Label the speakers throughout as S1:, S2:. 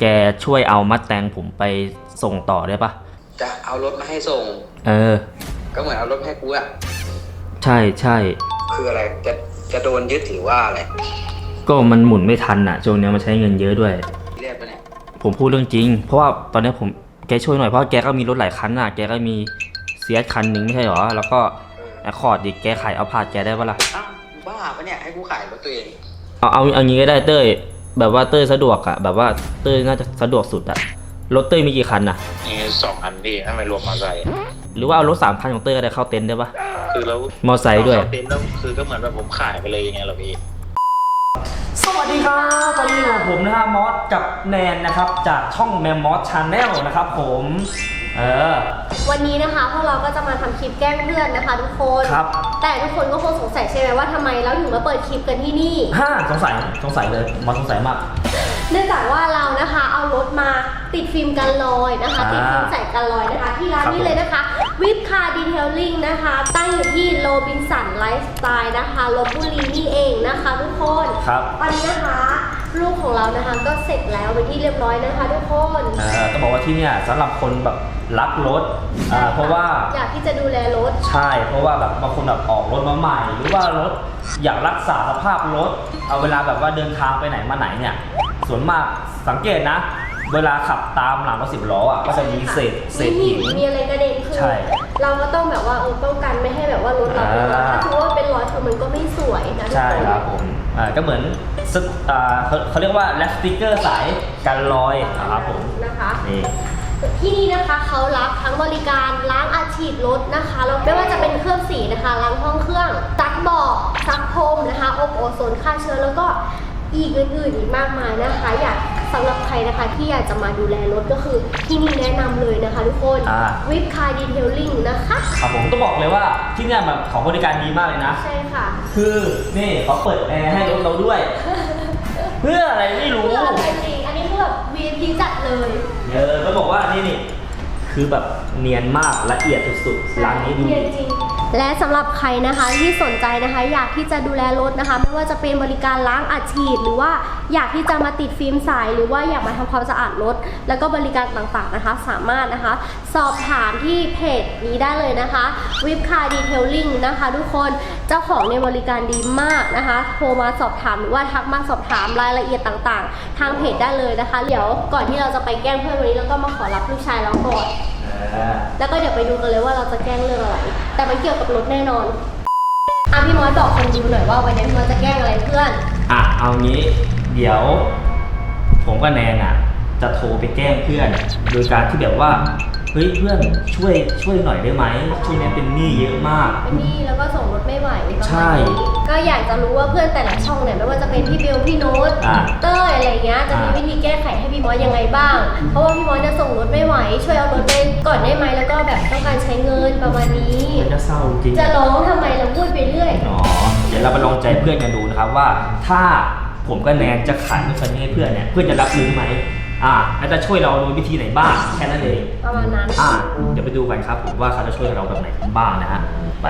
S1: แกช่วยเอามัดแตงผมไปส่งต่อได้ปะ
S2: จะเอารถมาให้ส่งก็เหมือนเอารถให้กูอะ
S1: ใช่ใช่
S2: คืออะไรจะโดนยึดหรือว่าอะไร
S1: ก็มันหมุนไม่ทันอ่ะช่วงนี้มันใช้เงินเยอะด้วย
S2: เรียกปะเนี่ย
S1: ผมพูดเรื่องจริงเพราะว่าตอนนี้แกช่วยหน่อยเพราะแกก็มีรถหลายคันอ่ะแกก็มีเสียคันหนึ่งไม่ใช่หรอแล้วก็แอคคอร์ดดิแกขายเอาพาดแกได้ปะล่ะ
S2: อ้าวบ้าปะเนี่ยให้กูขายรถตัวเอง
S1: เอางี้ก็ได้เต้ยแบบว่าเต้ยสะดวกอ่ะแบบว่าเต้ยน่าจะสะดวกสุดอ่ะรถเต้ยมีกี่คันอ่ะ
S3: มี2 คันพี่ถ้าไม่รวมมอเตอร์ไซค์
S1: หรือว่าเอารถ3 คันของเต้ยก็ได้เข้าเต็นท์ได้ปะ
S3: คือแล้ว
S1: มอเตอร์ไซค์ด้วย
S3: เต็นท์แล้วคือก็เหมือนแบบผมขายไปเลยยังไงล่ะพี่
S1: สวัสดีครับตอนนี้อยู่ผมนะฮะมอสกับแนนนะครับจากช่องแมมมอสชาแนลนะครับผม
S4: วันนี้นะคะพวกเราก็จะมาทำคลิปแกล้งเพื่อนนะคะทุกคน
S1: ครับ
S4: แต่ทุกคนก็คงสงสัยใช่ไหมว่าทำไมเราถึงมาเปิดคลิปกันที่นี่
S1: สงสัยเลยมอสสงสัยมาก
S4: เนื่องจากว่าเรานะคะเอารถมาติดฟิล์มกันรอยนะคะติดฟิล์มใส่กันรอยนะคะที่ร้านนี้เลยนะคะวิปคาร์ดีเทลลิ่งนะคะตั้งอยู่ที่โรบินสันไลฟ์สไตล์นะคะลพบุรีนี่เองนะคะทุกคนตอนนี้นะคะลูกของเรานะคะก็เสร็จแล้วเป็นที่เรียบร้อยนะคะทุกคน
S1: ต้องบอกว่าที่เนี่ยสำหรับคนแบบรักรถเพราะว่า
S4: อยากที่จะดูแลรถ
S1: ใช่เพราะว่าแบบบางคนแบบออกรถมาใหม่หรือว่ารถอยากรักษาสภาพรถเอาเวลาแบบว่าเดินทางไปไหนมาไหนเนี่ยส่วนมากสังเกตนะเวลาขับตามหลังรถ10 ล้ออ่ะก็จะมีเศษหิน
S4: มีอะไรกระเด็นคือเราก็ต้องแบบว่าป้องกันไม่ให้แบบว่ารถเราเป็นรอยถ้าถือว่าเป็นรอยคือมันก็ไม่สวยนะ
S1: ใช่ครับผมก็เหมือนเขาเรียกว่าแลสติกเกอร์สายกันรอยนะครับผม
S4: นะคะที่นี่นะคะเขารับทั้งบริการล้างอาชีพรถนะคะแล้วไม่ว่าจะเป็นเครื่องสีนะคะล้างห้องเครื่องซักเบาะซักพรมนะคะอบโอโซนฆ่าเชื้อแล้วก็อีกอื่นๆอีกมากมายนะคะอยากสำหรับใครนะคะที่อยากจะมาดูแลรถก็คือที่นี่แนะนำเลยนะคะทุกคนวิปคาร์ดีเทลลิ่งนะคะ
S1: ครับผมต้องบอกเลยว่าที่นี่แบบของบริการดีมากเลยนะ
S4: ใช่ค่ะ
S1: คือนี่เขาเปิดแอร์ให้รถเราด้วย เพื่ออะไรไม่รู้
S4: เพื่ออะไรจริงอันนี้คือแบบ VIP จัดเลย
S1: ก็บอกว่านี่คือแบบเนียนมากละเอียดสุดๆร้านนี้ดู
S4: จริงและสำหรับใครนะคะที่สนใจนะคะอยากที่จะดูแลรถนะคะไม่ว่าจะเป็นบริการล้างอัดฉีดหรือว่าอยากที่จะมาติดฟิล์มใสหรือว่าอยากมาทำความสะอาดรถแล้วก็บริการต่างๆนะคะสามารถนะคะสอบถามที่เพจนี้ได้เลยนะคะวิปคาร์ดีเทลลิ่งนะคะทุกคนเจ้าของในบริการดีมากนะคะโทรมาสอบถามหรือว่าทักมาสอบถามรายละเอียดต่างๆทางเพจได้เลยนะคะเดี๋ยวก่อนที่เราจะไปแกล้งเพื่อนวันนี้เราก็มาขอรับลูกชายเราก่อนแล้วก็เดี๋ยวไปดูกันเลยว่าเราจะแกล้งเรื่องอะไรแต่มันเกี่ยวกับรถแน่นอนพี่มอสบอกคนดูหน่อยว่าวันนี้พี่มอสจะแกล้งอะไรเพื่อน
S1: เอางี้เดี๋ยวผมกับแนนจะโทรไปแกล้งเพื่อนโดยการที่แบบว่าเฮ้ยเพื่อนช่วยหน่อยได้ไหมช่วงนี้เป็นหนี้เยอะมาก
S4: เป็นหนี้แล้วก็ส่งรถไม่ไหว
S1: ใช่
S4: ก็อยากจะรู้ว่าเพื่อนแต่ละช่องเนี่ยไม่ว่าจะเป็นพี่เบลพี่โน้ตเต้ยอะไรเงี้ยจะมีวิธีแก้ไขให้พี่มอสยังไงบ้างเพราะว่าพี่มอสจะส่งรถไม่ไหวช่วยเอารถไปก่อนได้ไหมแล้วก็แบบต้องการใช้เงินประมาณนี้
S1: จะเศร้าจริง
S4: จะร้องทำไมเราพูดไปเรื่อย
S1: เดี๋ยวเราไปลองใจเพื่อนกันดูนะครับว่าถ้าผมกับแนนจะขายรถคันนี้ให้เพื่อนเนี่ยเพื่อนจะรับรู้ไหมแล้วจะช่วยเราโดยวิธีไหนบ้างแค่นั้นเอง
S4: ประมาณนั้น
S1: เดี๋ยวไปดูกันครับผมว่าเขาจะช่วยเราแบบไหนบ้างนะฮะไป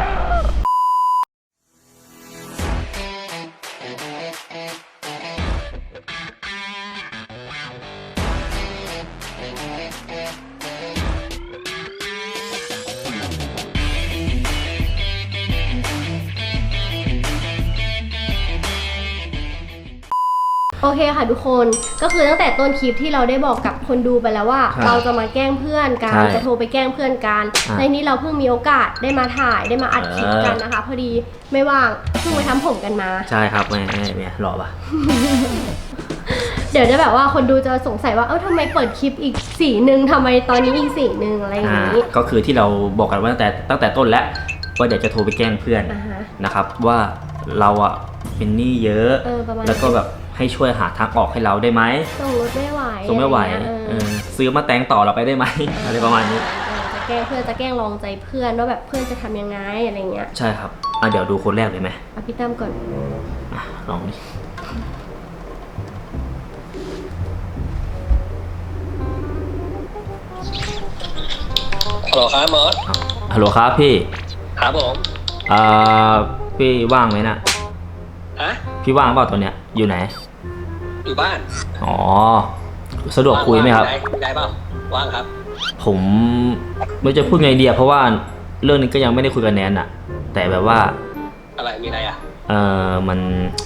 S4: โอเคค่ะทุกคนก็คือตั้งแต่ต้นคลิปที่เราได้บอกกับคนดูไปแล้วว่าเราจะมาแกล้งเพื่อนกันจะโทรไปแกล้งเพื่อนกันในนี้เราเพิ่งมีโอกาสได้มาถ่ายได้มาอัดคลิปกันนะคะพอดีไม่ว่างเพิ่งไปทำผมกันมา
S1: ใช่ครับแม่หล่อปะ
S4: เดี๋ยวจะแบบว่าคนดูจะสงสัยว่าทำไมเปิดคลิปอีกสีหนึ่งทำไมตอนนี้อีกสีหนึ่งอะไรอย่างนี้
S1: ก็คือที่เราบอกกันว่าตั้งแต่ต้นแล้วว่าเดี๋ยวจะโทรไปแกล้งเพื่อนนะครับว่าเราเป็นหนี้เยอะแล้วก็แบบให้ช่วยหาทางออกให้เราได้ไหม
S4: ส่งรถไม่ไหว
S1: ซื้อมาแต่งต่อเราไปได้ไหมอะไรประมาณนี้
S4: จะแกล้งเพื่อนจะแกล้งลองใจเพื่อนว่าแบบเพื่อนจะทำยังไงอะไรเงี้ย
S1: ใช่ครับเดี๋ยวดูคนแรกเลยไหม
S4: พี่ตั้มก่อน
S1: ลองดิ
S2: ฮัลโหลครับมอส
S1: ฮัลโหลครับพี่
S2: ครับผม
S1: พี่ว่างไหมน่ะพี่ว่างเปล่าตอนเนี้ยอยู่ไหน
S2: อยู่บ้าน
S1: สะดวกคุยไหมครับ
S2: ได้เปล่าว่างครับ
S1: ผมไม่รู้จะพูดไงดีอะเพราะว่าเรื่องนี้ก็ยังไม่ได้คุยกับแนนอะแต่แบบว่า
S2: อะไรมีอะไรอ่ะ
S1: มัน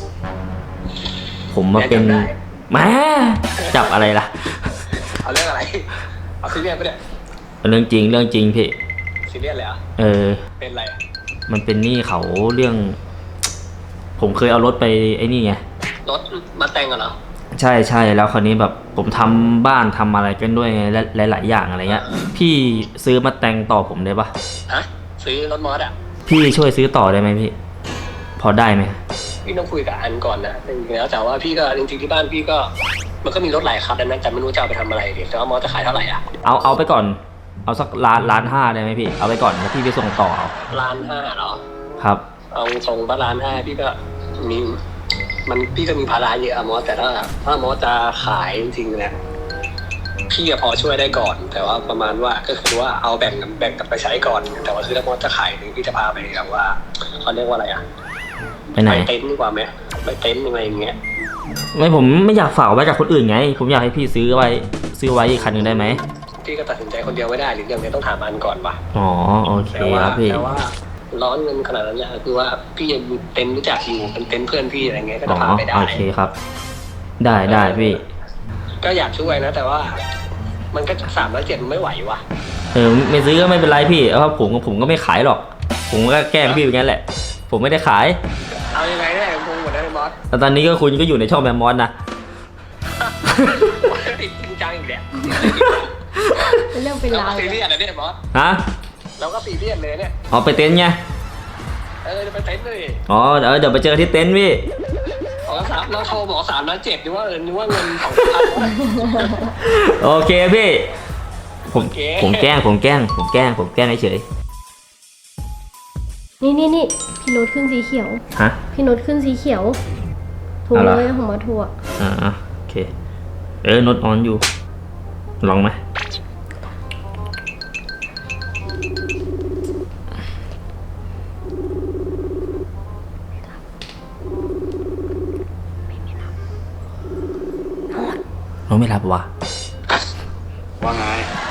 S1: ผมมาเป็น
S2: แนนจำได้
S1: แหม่จับอะไรล่ะ
S2: เอาเรื่องอะไรเอาซีเรียสปะเนี่ย
S1: เรื่องจริงพี่
S2: ซีเรียสเลยเหรอ่ะ เป็นอะไรอะ
S1: มันเป็นหนี้เขาเรื่อง ผมเคยเอารถไปไอ้นี่ไง
S2: รถมาแต่งกันเหรอ
S1: ใช่แล้วคราวนี้แบบผมทำบ้านทำอะไรกันด้วยไงและหลายๆอย่างอะไรเงี้ย พี่ซื้อมาแต่งต่อผมได้ปะ
S2: ฮะซื้อรถมอสอ่ะ
S1: พี่ช่วยซื้อต่อได้ไหมพี่ พอได้ไหม
S2: พี่ต้องคุยกับอันก่อนนะจริงๆแล้วแต่ว่าพี่ก็จริงๆที่บ้านพี่ก็มันก็มีรถหลายคันนะแต่ไม่รู้จะเอาไปทำอะไรดิแต่ว่ามอสจะขายเท่าไหร่อ่ะ
S1: เอาไปก่อน เอาสักล้านห้าได้ไหมพี่ เอาไปก่อนแล้วพี่ไปส่งต่อเอา
S2: 1,500,000เหรอ
S1: ครับ
S2: เอาส่ง1,500,000พี่ก็มีพี่ก็มีภาระเยอะอะมอสแต่ถ้ามอสจะขายจริงๆเนี่ยพี่ก็พอช่วยได้ก่อน แต่ว่าประมาณว่าก็คือว่าเอาแบ่งกันไปใช้ก่อน แต่ว่าคือถ้ามอสจะขายนี่พี่จะพาไปแบบว่าเขาเรียกว่าอะไรอ่ะ
S1: ไปไหน
S2: ไปเต็นท์ดีกว่าไหมไปเต็นท์อะไรอย่างเงี้ย
S1: ไม่ผมไม่อยากฝากไว้กับคนอื่นไง ผมอยากให้พี่ซื้อไว้อีกคันหนึ่งได้ไหม
S2: พี่ก็ตัดสินใจคนเดียวไม่ได้หรืออย่างเนี้ยต้องถามอันก่อนป่ะ
S1: อ๋อโอเคครับพี่
S2: แต่ว่าร้อนเงินขนาดนั้นเนี่ยคือว่าพี่ยังมีเต็นท์รู้จักอยู่เป็นเต็นท์เพื่อนพี่อะไรเงี้ยก็
S1: อ๋
S2: จะ
S1: อ
S2: พาไปได้
S1: โอเคครับ ได้พี่
S2: ก็อยากช่วยนะ แต่ว่ามันก็307มันไม่ไหวว่ะ
S1: ไม่ซื้อก็ไม่เป็นไรพี่เพราะผมก็ไม่ขายหรอก ผมก็แกล้งพี่อย่างนั้นแหละ ผมไม่ได้ขาย
S2: เอายังไงเนี่ยงงหมดแล้วไอ้มอส
S1: แต่ตอนนี้ก็คุณก็อยู่ในช่องแมมมอนนะ
S2: ติดจริงจังอีกแล้ว
S4: เป็นเรื่องเป็น
S2: เรา
S4: ราว
S2: ก็
S4: เล
S2: ซี
S4: ย
S2: เรียสนะเนี่ยมอส
S1: ฮะ
S2: เราก็ซีเรียสเลยเนี่ย
S1: เอาไปเต็นท์ไง
S2: จะไปเต็นท์เลย
S1: อ๋อเดี๋ยวไปเจอที่เต็นท์พี่
S2: เราโทรบอก3,700,000นึกว่าเงิน2,000
S1: โอเคพี่ ผม
S2: โอเค
S1: ผมแกล้งเฉย
S4: นี่พี่โน้ตขึ้นสีเขียว
S1: ฮะ
S4: พี่โน้ตขึ้นสีเขียวถูก
S1: เอาเหรอ
S4: เลยของมาถั่ว
S1: โอเคโน้ตออนอยู่ ลองไหมโน้ตไม่รับว่ะ
S2: ว่าไง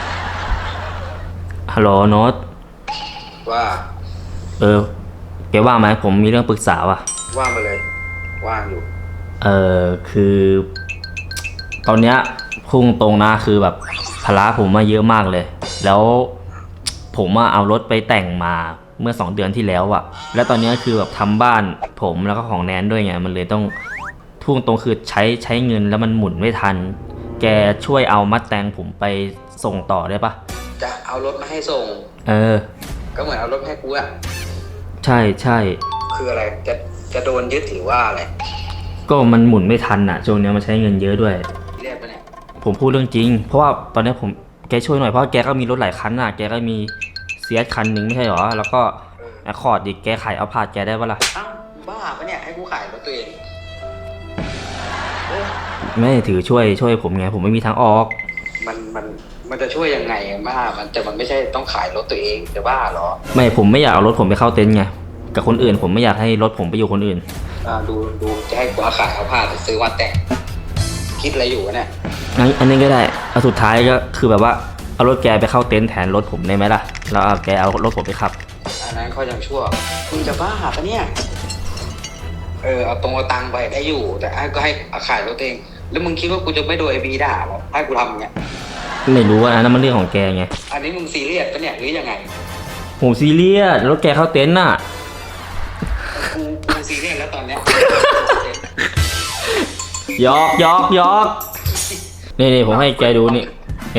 S1: ฮัลโหลโน้ต
S2: ว่า
S1: แกว่างไหมผมมีเรื่องปรึกษาว่ะ
S2: ว่างไปเลย ว่างอยู่
S1: คือ ตอนเนี้ยพุ่งตรงนะคือแบบภาระผมมาเยอะมากเลย แล้วผมเอารถไปแต่งมาเมื่อ2 เดือนที่แล้วอะแล้วตอนเนี้ยคือแบบทำบ้านผมแล้วก็ของแนนด้วยไงมันเลยต้องพุ่งตรงคือใช้เงินแล้วมันหมุนไม่ทัน แกช่วยเอามัดแตงผมไปส่งต่อได้ปะ
S2: จะเอารถมาให้ส่ง ก็เหมือนเอารถให้กูอะ
S1: ใช่
S2: คืออะไรจะโดนยึดหรือว่าอะไร
S1: ก็มันหมุนไม่ทันอะช่วงเนี้ยมันใช้เงินเยอะด้วย
S2: เรียกปะเนี่ย
S1: ผมพูดเรื่องจริง เพราะว่าตอนนี้แกช่วยหน่อยเพราะแกก็มีรถหลายคันน่ะ แกก็มีเซียสคันหนึ่งไม่ใช่หรอ แล้วก็แอคคอร์ดอีกแกขายเอาพาดแกได้ปะล่ะ
S2: อ้าวบ้าปะเนี่ยให้กูขายรถตัวเอง
S1: ไม่ถือช่วยผมไง ผมไม่มีทางออก
S2: มันจะช่วยยังไงบ้ามันไม่ใช่ต้องขายรถตัวเองจะบ้าเหรอ
S1: ไม่ผมไม่อยากเอารถผมไปเข้าเต็นท์ไง กับคนอื่นผมไม่อยากให้รถผมไปอยู่คนอื่น
S2: ดูจะให้กูเอาขายเอาผ้าไปซื้อวัดแต่งคิดอะไรอยู่วะเนี่ย
S1: งั้นอันนี้ก็ได้เอาสุดท้ายก็คือแบบว่าเอารถแกไปเข้าเต็นท์แทนรถผมได้ไหมล่ะ แล้วเอาแกเอารถผมไปขับ
S2: อันนั้นเขายังชั่วมึงจะบ้าปะเนี่ยเอาตรงเอาตังค์ไปได้อยู่ แต่ก็ให้เอาขายรถตัวเอง แล้วมึงคิดว่ากูจะไม่โดนไอ้บีด่าหรอให้กูทำอย่างเงี้ย
S1: ไม่รู้ว่าอันนั้นมันเรื่องของแกไง
S2: อันนี้มึงซีเรียสปะเนี่ยหรือยังไง
S1: ผมซีเรียสรถแกเข้าเต็นท์น่ะ
S2: กูซีเรียสแล้วตอนเนี้ย
S1: ยอกนี่ผมให้แกดูนี่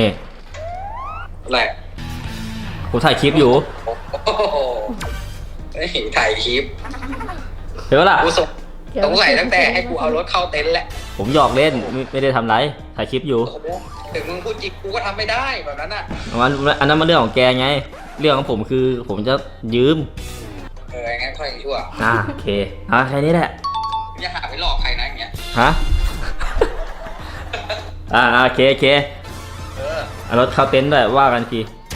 S2: อะไร
S1: ผมถ่ายคลิปอยู่
S2: โอ้โหถ่ายคลิป
S1: เห็นปะล่ะ
S2: กูสงสัยตั้งแต่ให้กูเอารถเข้าเต็นท์แหละ
S1: ผมหยอกเล่นไม่ได้ทำไรถ่ายคลิปอยู่
S2: โอ้โหถึงมึงพูดจริงกูก็ทำไม่ได้แบบนั้นอ่ะ
S1: อันนั้นมันเรื่องของแกไง เรื่องของผมคือผมจะยืม
S2: งั้นค่อยชั่ว
S1: โอเคแค่นี้แหละ
S2: อย่าหาไปหลอกใครนะอย่างเงี้ย
S1: ฮะโอเคเอารถเข้าเต็นท์ด้วยว่ากันที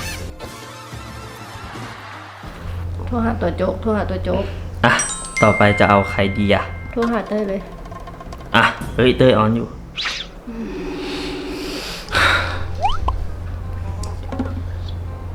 S4: โทรหาตัวโจ๊ก
S1: ต่อไปจะเอาใครดีอะ
S4: โทรหาเต้ยเลย
S1: เฮ้ยเต้ยออนอยู่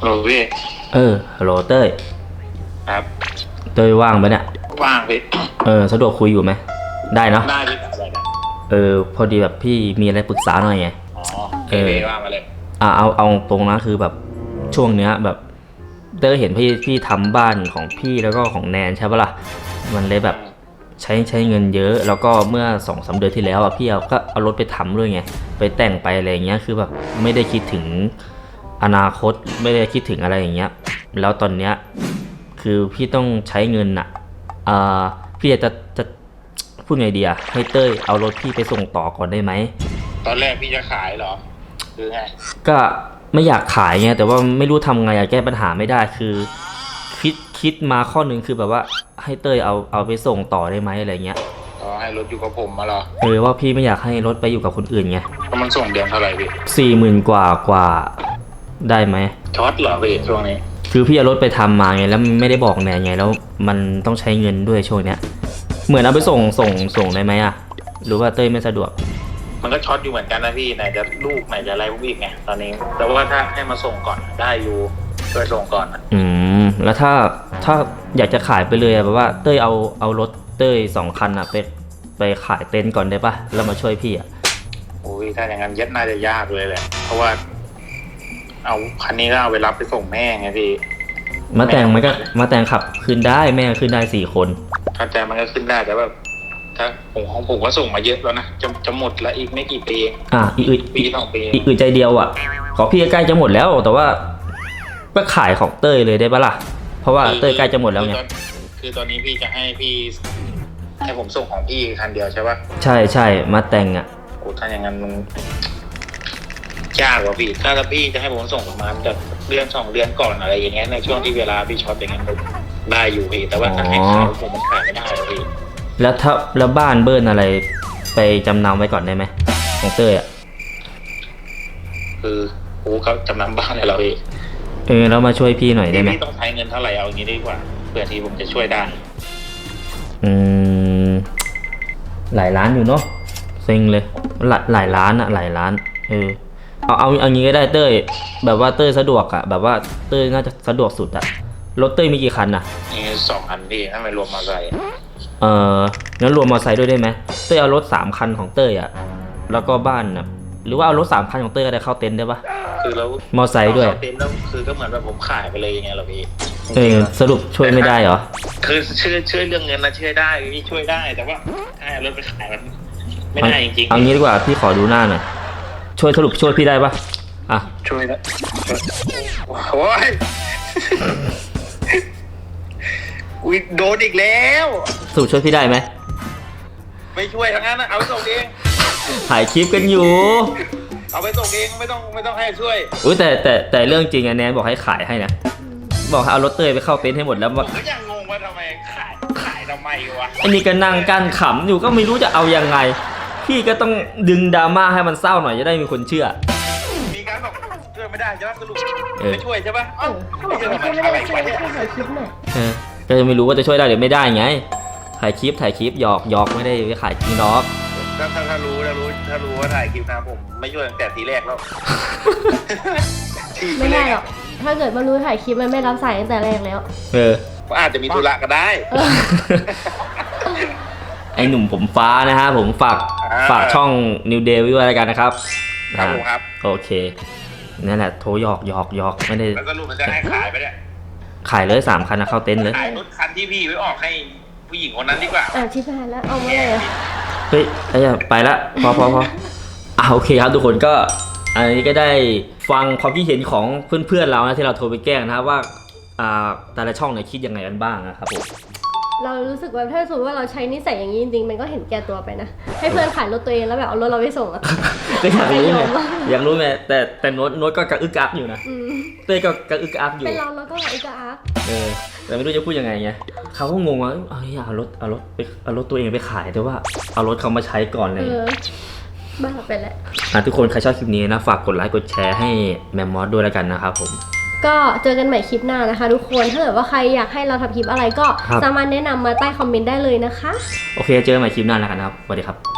S3: โหลพี่
S1: ฮัลโหลเต้ย
S3: ครับ
S1: เต้ยว่างไหมเนี่ย
S3: ว่างพี่
S1: สะดวกคุยอยู่ไหมได้เนาะ
S3: ได้พี่อะไรนะ
S1: พอดีแบบพี่มีอะไรปรึกษาหน่อยไง
S3: อ๋อพี่ว่างมาเลย
S1: เอาตรงนะคือแบบช่วงเนี้ยแบบเต้ยเห็นพี่ทำบ้านของพี่แล้วก็ของแนนใช่ปะล่ะมันเลยแบบใช้เงินเยอะแล้วก็เมื่อ2-3 เดือนที่แล้วอ่ะพี่ก็เอารถไปทำด้วยไงไปแต่งไปอะไรอย่างเงี้ยคือแบบไม่ได้คิดถึงอนาคตไม่ได้คิดถึงอะไรอย่างเงี้ยแล้วตอนเนี้ยคือพี่ต้องใช้เงินอ่ะพี่จะพูดไงดีอะให้เต้ยเอารถพี่ไปส่งต่อก่อนได้ไหม
S3: ตอนแรกพี่จะขายเหรอหรือไง
S1: ก็ไม่อยากขายไงแต่ว่าไม่รู้ทำไงอะแก้ปัญหาไม่ได้คือคิดมาข้อหนึ่งคือแบบว่าให้เต้ยเอาไปส่งต่อได้ไหมอะไรเงี้ย
S3: อ๋อให้รถอยู่กับผมมาเหรอ
S1: ว่าพี่ไม่อยากให้รถไปอยู่กับคนอื่นไง
S3: ก็มันส่งเดือนเท่าไหร่พี่
S1: 40,000 กว่าได้ไหม
S3: ช็อตเหรอพี่ช่วงนี้
S1: คือพี่เอารถไปทำมาไงแล้วไม่ได้บอกแนนไงแล้วมันต้องใช้เงินด้วยช่วงเนี้ยเหมือนเอาไปส่งได้ไหมอะหรือว่าเต้ยไม่สะดวก
S3: มันก็ช็อตอยู่เหมือนกันนะพี่ไหนจะลูกไหนจะอะไรพวกอีกไงตอนนี้แต่ว่าถ้าให้มาส่งก่อนได้อยู่ช่วยส่งก่อนนะ
S1: แล้วถ้าอยากจะขายไปเลยอะแบบว่าเต้ยเอารถเต้ย2 คันอะไปขายเต็นท์ก่อนได้ปะแล้วมาช่วยพี่อะ
S3: โอ้ยถ้าอย่างนั้นน่าจะยากเลยแหละเพราะว่าเอาคันนี้ก็เอาไปรับไปส่งแม่ไงพี่
S1: มาแต่งขับขึ้นได้แม่ขึ้นได้4 คน
S3: เข้าใจมันก็ขึ้นได้แต่แบบถ้าของผมก็ส่งมาเยอะแล้วนะจะหมดแล้วอีกไม่กี่ปีปี 2 ปี
S1: อีกใจเดียวอ่ะของพี่ใกล้จะหมดแล้วแต่ว่าก็ขายของเต้ยเลยได้ปะล่ะเพราะว่าเต้ยใกล้จะหมดแล้วไง
S3: คือตอนนี้พี่จะให้ผมส่งของพี่คันเดียวใช่ปะ
S1: ใช่มาแต่งอ่ะ
S3: โอ้ถ้าอย่างนั้นมันยากกว่าพี่ถ้าพี่จะให้ผมส่งประมาณแบบเดือน2 เดือนก่อนอะไรอย่างเงี้ยในช่วงที่เวลาพี่ช็อตอย่างเงี้ยได้อยู่พี่แต่ว่าถ้าให้ขายผมมันขายไม่ได้หรอกพี่
S1: แล้วบ้านเบิ้ลอะไรไปจำนำไว้ก่อนได้ไหมของเต้ยอ่ะ
S3: คือโอ้เขาจำนำบ้านเลยเราพี่
S1: แล้วมาช่วยพี่หน่อยได้ไหม
S3: พี่ต้องใช้เงินเท่าไหร่เอาอย่างนี้ดีกว่าเพื่อที่ผมจะช่วยได้
S1: หลายล้านอยู่เนาะเซ็งเลยหลายล้านอะหลายล้านเอางี้ก็ได้เต้ยแบบว่าเต้ยสะดวกอะแบบว่าเต้ยน่าจะสะดวกสุดอะรถเต้ยมีกี่คันอะ
S3: นี่2 คันพี่ถ้าไม่รวมมอเตอร์ไซค์
S1: งั้นรวมมอเตอร์ไซค์ด้วยได้ไหมเต้ยเอารถ3 คันของเต้ยอะแล้วก็บ้านนะหรือว่าเอารถ3 คันของเต้ยก็ได้เข้าเต็นท์ได้ปะ
S3: คือแล้ว
S1: มอเตอร์ไซค์ด้วย
S3: เต็นท์แล้วคือก็เหมือนแบบผมขายไปเลยอย่างเงี้ยเหรอพี่
S1: สรุปช่วยไม่ได้เหรอ
S3: คือช่วยเรื่องเงินนะช่วยได้พี่ช่วยได้แต่ว่าถ้าเอารถไปขายมันไม่ได้จริงๆ
S1: เอางี้ดีกว่าพี่ขอดูหน้าหน่อยสรุปช่วยพี่ได้ปะอ่ะ
S3: ช่วยนะโอ้ยอุ้ยโดนอีกแล้ว
S1: สรุปช่วยพี่ได้ไหม
S3: ไม่ช่วยทั้งนั้นนะเอาไปส่งเอง
S1: ถ่ายคลิปกันอยู่
S3: เอาไปส่งเองไม่ต้องให้ช่วย
S1: อุ้ยแต่เรื่องจริงอะแนนบอกให้ขายให้นะบอกให้เอารถเต้ยไปเข้าเต็นท์ให้หมดแล้ว
S3: ผมก็ยังงงว่าทำไมขายทำไมวะ
S1: ไอ้นี่ก็นั่งกั้นขำอยู่ก็ไม่รู้จะเอายังไง พี่ก็ต้องดึงดราม่าให้มันเศร้าหน่อยจะได้มีคนเชื่อ
S3: มีการบอกช่วยไม่ได้ใช่ไหมสรุป
S1: เออ
S3: ไม่ช่วยใช่ปะ
S4: เขาบอกว่าไม่ได้ช่วยให้ถ่ายคลิปหน่อย
S1: ก็จะไม่รู้ว่าจะช่วยได้หรือไม่ได้ไงถ่ายคลิปหยอกไม่ได้ไปขายจริงหรอก
S3: ถ้ารู้ว่าถ่ายคลิปนะผมไม่ช่วยตั้งแต่ทีแรกแล้ว
S4: ไม่ได้หรอกถ้าเกิดมารู้ถ่ายคลิปมันไม่รับสายตั้งแต่แรกแล้ว
S3: ก็อาจจะมีธุระก็ได้
S1: ไอ้หนุ่มผมฟ้านะฮะผมฝากช่อง New Day ไว้ด้วยแล้วกันนะครับ
S3: ครับผมครับ
S1: โอเคนั่นแหละโทรหยอกไม่ได้
S3: แล้วสรุปมันจะให้ขายไปเนี่ย
S1: ขายเลย3 คันนะเข้าเต็นท์เลย
S3: ขายรถคันที่พี่ไว้ออกให้ผู้หญิงคนนั้นดีกว่า
S4: ชิบหายแล้วเอามาเลย
S1: เฮ้ยไปละพอโอเคครับทุกคนก็อันนี้ก็ได้ฟังความคิดเห็นของเพื่อนๆเรานะที่เราโทรไปแกล้งนะครับว่าแต่ละช่องเนี่ยคิดยังไงกันบ้างนะครับผม
S4: เรารู้สึกว่าถ้าสมมติว่าเราใช้นิสัยอย่างนี้จริงๆมันก็เห็นแก่ตัวไปนะให้เพื่อนขายรถตัวเองแล้วแบบเอารถเราไปส่งอะ
S1: ก็อยากรู้ไงแต่โน้ตก็กระอึกอักอยู่นะเต้ยก็กระอึกอักอยู่
S4: เป็นเราก็แบบอีกอาร์
S1: แต่ไม่รู้จะพูดยังไงไงเขาก็งงว่าเอารถตัวเองไปขายแต่ว่าเอารถเขามาใช้ก่อนเลย
S4: บ้าไปแล้ว
S1: ทุกคนใครชอบคลิปนี้นะฝากกดไลค์กดแชร์ให้แมมมอสด้วยแล้วกันนะครับผม
S4: ก็เจอกันใหม่คลิปหน้านะคะทุกคนถ้าเกิดว่าใครอยากให้เราทำคลิปอะไรก็สามารถแนะนำมาใต้คอมเมนต์ได้เลยนะคะ
S1: โอเคเจอกันใหม่คลิปหน้าแล้วกันนะครับสวัสดีครับ